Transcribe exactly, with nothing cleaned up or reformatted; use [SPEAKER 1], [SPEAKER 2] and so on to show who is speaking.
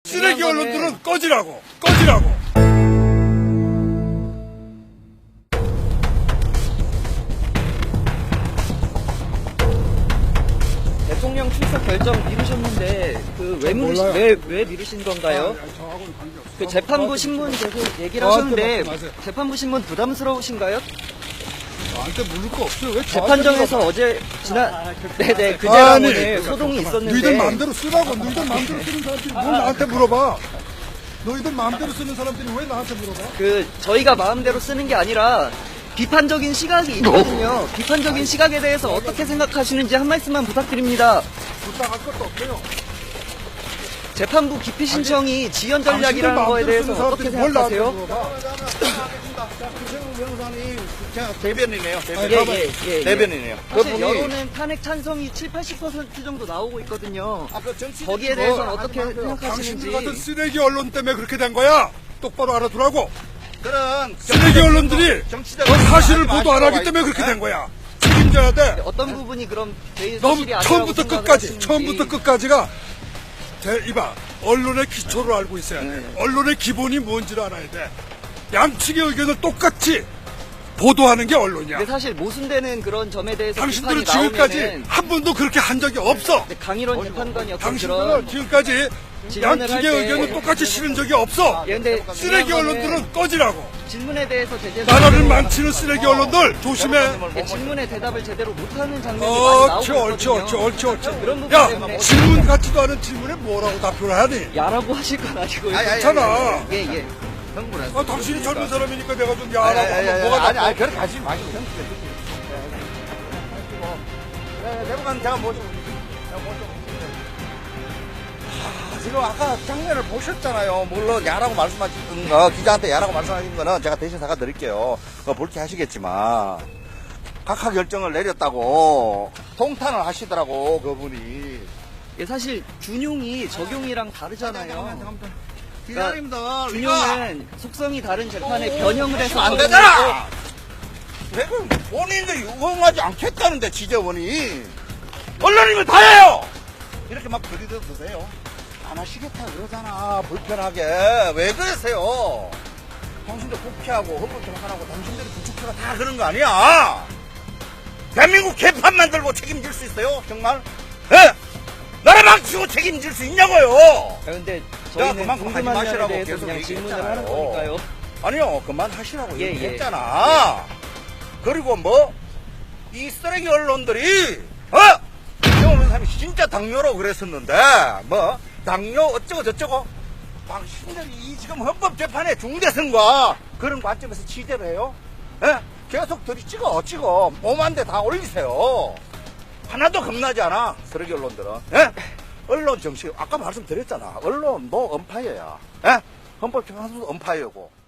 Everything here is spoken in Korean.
[SPEAKER 1] 쓰레기 언론들은 꺼지라고, 꺼지라고.
[SPEAKER 2] 대통령 출석 결정 미루셨는데 그 왜 미루신 왜, 왜 미루신 건가요?
[SPEAKER 1] 아니, 저하고는 관계없어.
[SPEAKER 2] 그 재판부 신문 계속 얘기를
[SPEAKER 1] 저한테
[SPEAKER 2] 하셨는데
[SPEAKER 1] 말씀하세요.
[SPEAKER 2] 재판부 신문 부담스러우신가요?
[SPEAKER 1] 나한테 물을 거 없어요. 왜
[SPEAKER 2] 재판정에서 어제 지난 네네 그제
[SPEAKER 1] 아니,
[SPEAKER 2] 오늘 소동이 있었는데
[SPEAKER 1] 너희들 마음대로 쓰라고. 너희들 마음대로 쓰는 사람들이 뭘 나한테 물어봐. 너희들 마음대로 쓰는 사람들이 왜 나한테 물어봐?
[SPEAKER 2] 그 저희가 마음대로 쓰는 게 아니라 비판적인 시각이 있거든요. 비판적인 시각에 대해서 어떻게 생각하시는지 한 말씀만 부탁드립니다.
[SPEAKER 1] 부탁할 것도 없어요.
[SPEAKER 2] 재판부 기피 신청이 지연 전략이라는 거에 대해서 어떻게 생각하세요?
[SPEAKER 3] 구세훈 변호사님, 제가 대변이네요. 대변.
[SPEAKER 2] 예, 예, 예, 예.
[SPEAKER 3] 대변이네요.
[SPEAKER 2] 사실
[SPEAKER 3] 그분이
[SPEAKER 2] 여론은 탄핵 찬성이 칠, 팔십 퍼센트 정도 나오고 있거든요.
[SPEAKER 3] 아, 그 정치
[SPEAKER 2] 거기에 대해서는 어떻게 생각하시는지.
[SPEAKER 1] 당신들 같은 쓰레기 언론 때문에 그렇게 된 거야. 똑바로 알아두라고.
[SPEAKER 3] 그런
[SPEAKER 1] 쓰레기 언론들이
[SPEAKER 3] 정치적인
[SPEAKER 1] 어, 사실을
[SPEAKER 3] 하지
[SPEAKER 1] 보도 안 하기
[SPEAKER 3] 마시라고
[SPEAKER 1] 때문에 그렇게
[SPEAKER 3] 하지.
[SPEAKER 1] 된 거야. 책임져야 돼.
[SPEAKER 2] 어떤 부분이 그럼 제일
[SPEAKER 1] 너무
[SPEAKER 2] 사실이 아니라고
[SPEAKER 1] 처음부터
[SPEAKER 2] 생각을
[SPEAKER 1] 끝까지,
[SPEAKER 2] 하시는지.
[SPEAKER 1] 처음부터 끝까지가 대, 이봐, 언론의 기초를 알고 있어야 돼.
[SPEAKER 2] 네.
[SPEAKER 1] 언론의 기본이 뭔지를 알아야 돼. 양측의 의견을 똑같이 보도하는 게 언론이야.
[SPEAKER 2] 근데 사실 모순되는 그런 점에 대해서
[SPEAKER 1] 당신들은
[SPEAKER 2] 비판이
[SPEAKER 1] 지금까지
[SPEAKER 2] 나오면은
[SPEAKER 1] 한 번도 그렇게 한 적이 없어.
[SPEAKER 2] 근데 강일원 재판관이 어떤
[SPEAKER 1] 당신들은
[SPEAKER 2] 그런
[SPEAKER 1] 지금까지
[SPEAKER 2] 질문을
[SPEAKER 1] 양측의
[SPEAKER 2] 할 때-
[SPEAKER 1] 의견을 똑같이 실은 적이 없어.
[SPEAKER 2] 예, 근데
[SPEAKER 1] 쓰레기
[SPEAKER 2] 중요한 거는
[SPEAKER 1] 언론들은 꺼지라고.
[SPEAKER 2] 질문에 대해서 제대로
[SPEAKER 1] 나라를 망치는 쓰레기 언론들 조심해.
[SPEAKER 2] 예, 질문에 대답을 제대로 못하는 장면이 많이
[SPEAKER 1] 옳지,
[SPEAKER 2] 나오고
[SPEAKER 1] 옳지,
[SPEAKER 2] 있거든요.
[SPEAKER 1] 옳지, 옳지, 옳지.
[SPEAKER 2] 그런 부분
[SPEAKER 1] 야,
[SPEAKER 2] 때문에
[SPEAKER 1] 질문 같지도 않은 질문에 뭐라고 답변을 하니?
[SPEAKER 2] 야라고 하실 건 아니고요.
[SPEAKER 3] 아니, 아니,
[SPEAKER 1] 괜찮아.
[SPEAKER 2] 예, 예.
[SPEAKER 3] 흥분해.
[SPEAKER 1] 아, 당신이 젊은 사람이니까 내가 좀
[SPEAKER 3] 아니,
[SPEAKER 1] 야라고
[SPEAKER 3] 아니, 아니,
[SPEAKER 1] 하면 뭐가
[SPEAKER 3] 아니,
[SPEAKER 1] 나빠?
[SPEAKER 3] 아니, 그렇게 하지 마시고. 네, 대법관 제가 모시고. 제가 모시고. 아, 지금 아까 장면을 보셨잖아요. 물론 야라고 말씀하신 거, 기자한테 야라고 말씀하신 거는 제가 대신 사과드릴게요. 그거 불쾌하시겠지만 각하 결정을 내렸다고 통탄을 하시더라고 그분이.
[SPEAKER 2] 예, 사실 준용이 적용이랑 다르잖아요.
[SPEAKER 3] 기자님들
[SPEAKER 2] 준용은 속성이 다른 재판에 변형을 해서
[SPEAKER 3] 안 되잖아. 왜 그 본인들이 응하지 않겠다는데 지재원이 언론이면 다 해요. 이렇게 막 들이대도 되세요. 안 하시겠다 그러잖아. 불편하게 왜 그러세요? 당신들 국회하고 헌법재판하고 당신들이 부축해가 다 그런 거 아니야. 대한민국 개판 만들고 책임질 수 있어요? 정말? 예? 나라 망치고 책임질 수 있냐고요.
[SPEAKER 2] 아, 근데 저희는
[SPEAKER 3] 그만큼 하지
[SPEAKER 2] 궁금한 점에
[SPEAKER 3] 마시라고
[SPEAKER 2] 대해서
[SPEAKER 3] 계속
[SPEAKER 2] 그냥 질문을
[SPEAKER 3] 얘기했잖아요.
[SPEAKER 2] 하는 거니까요.
[SPEAKER 3] 아니요, 그만하시라고
[SPEAKER 2] 예,
[SPEAKER 3] 얘기했잖아. 그리고 뭐, 이 쓰레기 언론들이, 어? 이정은 사람이 진짜 당뇨라고 그랬었는데, 뭐, 당뇨 어쩌고 저쩌고, 당신들이 이 지금 헌법재판의 중대성과 그런 관점에서 취재를 해요? 예? 계속 들이 찍어, 찍어. 오만대 다 올리세요. 하나도 겁나지 않아, 쓰레기 언론들은. 예? 언론 정식, 아까 말씀드렸잖아. 언론 뭐 언파이어야. 예? 헌법재판소도 언파이어고.